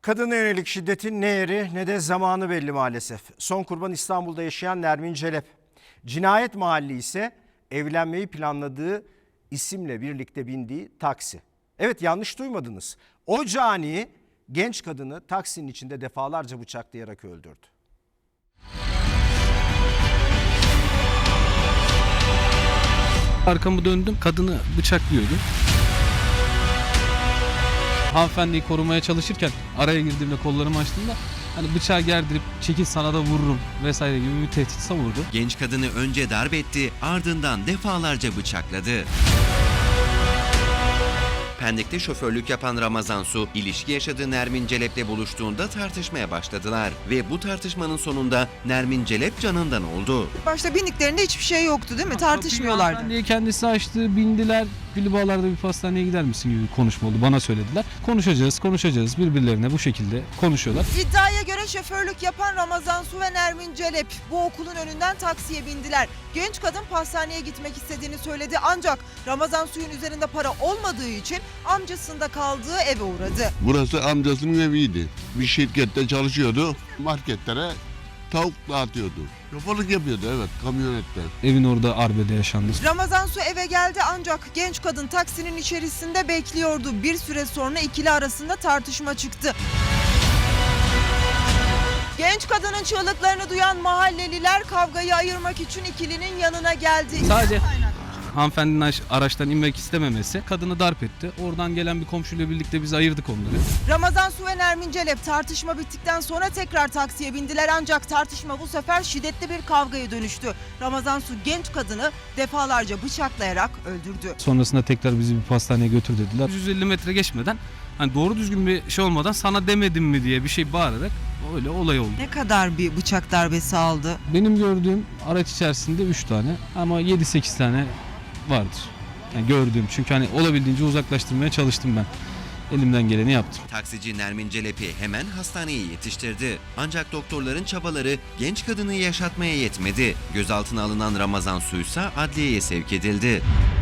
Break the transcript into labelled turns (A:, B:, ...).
A: Kadına yönelik şiddetin ne yeri ne de zamanı belli maalesef. Son kurban İstanbul'da yaşayan Nermin Celep. Cinayet mahalli ise evlenmeyi planladığı isimle birlikte bindiği taksi. Evet, yanlış duymadınız. O cani genç kadını taksinin içinde defalarca bıçaklayarak öldürdü.
B: Arkamı döndüm, kadını bıçaklıyordu. Hanımefendiyi korumaya çalışırken araya girdiğimde, kollarımı açtığımda hani bıçağı gerdirip çekil sana da vururum vesaire gibi bir tehdit savurdu.
C: Genç kadını önce darp etti, ardından defalarca bıçakladı. Pendik'te şoförlük yapan Ramazan Su, ilişki yaşadığı Nermin Celep'le buluştuğunda tartışmaya başladılar. Ve bu tartışmanın sonunda Nermin Celep canından oldu.
D: Başta bindiklerinde hiçbir şey yoktu değil mi? Tartışmıyorlardı.
B: Hanımefendiye kendisi açtı, bindiler. Gülübağlar'da bir pastaneye gider misin gibi bir konuşma oldu. Bana söylediler. Konuşacağız. Birbirlerine bu şekilde konuşuyorlar.
D: İddiaya göre şoförlük yapan Ramazan Su ve Nermin Celep bu okulun önünden taksiye bindiler. Genç kadın pastaneye gitmek istediğini söyledi ancak Ramazan Su'nun üzerinde para olmadığı için amcasında kaldığı eve uğradı.
E: Burası amcasının eviydi. Bir şirkette çalışıyordu. Marketlere tavuk dağıtıyordu. Şoförlük yapıyordu, evet, kamyonette.
B: Evin orada arbede yaşandı.
D: Ramazan Su eve geldi ancak genç kadın taksinin içerisinde bekliyordu. Bir süre sonra ikili arasında tartışma çıktı. Genç kadının çığlıklarını duyan mahalleliler kavgayı ayırmak için ikilinin yanına geldi.
B: Sadece hanımefendinin araçtan inmek istememesi kadını darp etti. Oradan gelen bir komşuyla birlikte biz ayırdık onları.
D: Ramazan Su ve Nermin Celep tartışma bittikten sonra tekrar taksiye bindiler ancak tartışma bu sefer şiddetli bir kavgaya dönüştü. Ramazan Su genç kadını defalarca bıçaklayarak öldürdü.
B: Sonrasında tekrar bizi bir pastaneye götür dediler. 150 metre geçmeden hani doğru düzgün bir şey olmadan sana demedim mi diye bir şey bağırarak öyle olay oldu.
D: Ne kadar bir bıçak darbesi aldı?
B: Benim gördüğüm araç içerisinde 3 tane ama 7-8 tane vardır. Yani gördüğüm, çünkü hani olabildiğince uzaklaştırmaya çalıştım ben. Elimden geleni yaptım.
C: Taksici Nermin Celep'i hemen hastaneye yetiştirdi. Ancak doktorların çabaları genç kadını yaşatmaya yetmedi. Gözaltına alınan Ramazan Su ise adliyeye sevk edildi.